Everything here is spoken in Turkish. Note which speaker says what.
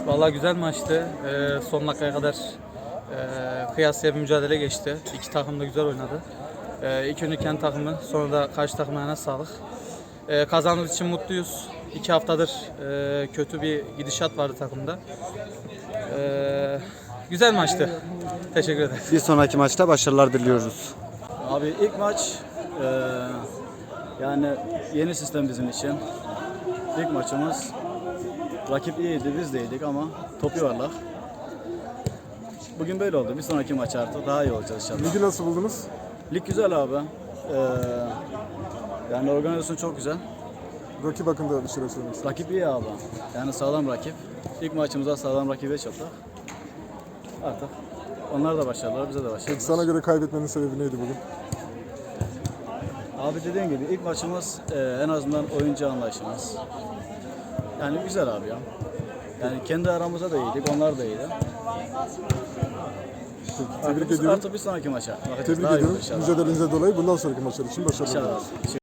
Speaker 1: Vallahi güzel maçtı. Son dakikaya kadar kıyasıya bir mücadele geçti. İki takım da güzel oynadı. İlk önce kendi takımı, sonra da karşı takımlarına sağlık. Kazandığımız için mutluyuz. 2 haftadır kötü bir gidişat vardı takımda. Güzel maçtı. Teşekkür ederim.
Speaker 2: Bir sonraki maçta başarılar diliyoruz.
Speaker 3: Abi ilk maç yani yeni sistem bizim için. İlk maçımız rakip iyiydi, biz de iyiydik ama top yuvarlak. Bugün böyle oldu. Bir sonraki maç artık daha iyi olacağız inşallah.
Speaker 4: Ligi nasıl buldunuz?
Speaker 3: Lig güzel abi. Yani organizasyon çok güzel.
Speaker 4: Rakip hakkında bir şeyler söylemek istedim.
Speaker 3: Rakip iyi abi. Yani sağlam rakip. İlk maçımızda sağlam rakibe çattık. Artık onlar da başarılar, bize de başarılar.
Speaker 4: Peki sana göre kaybetmenin sebebi neydi bugün?
Speaker 3: Abi dediğim gibi ilk maçımız en azından oyuncu anlayışımız. Yani güzel abi ya. Yani kendi aramızda da iyiydik, onlar da iyiydi.
Speaker 4: Tebrik ediyorum.
Speaker 3: Artık bir sonraki maça.
Speaker 4: Tebrik
Speaker 3: Daha iyi olur
Speaker 4: ediyorum.
Speaker 3: inşallah.
Speaker 4: Mücadelenize dolayı bundan sonraki maçlar için başarılar
Speaker 3: İnşallah.
Speaker 4: diliyoruz.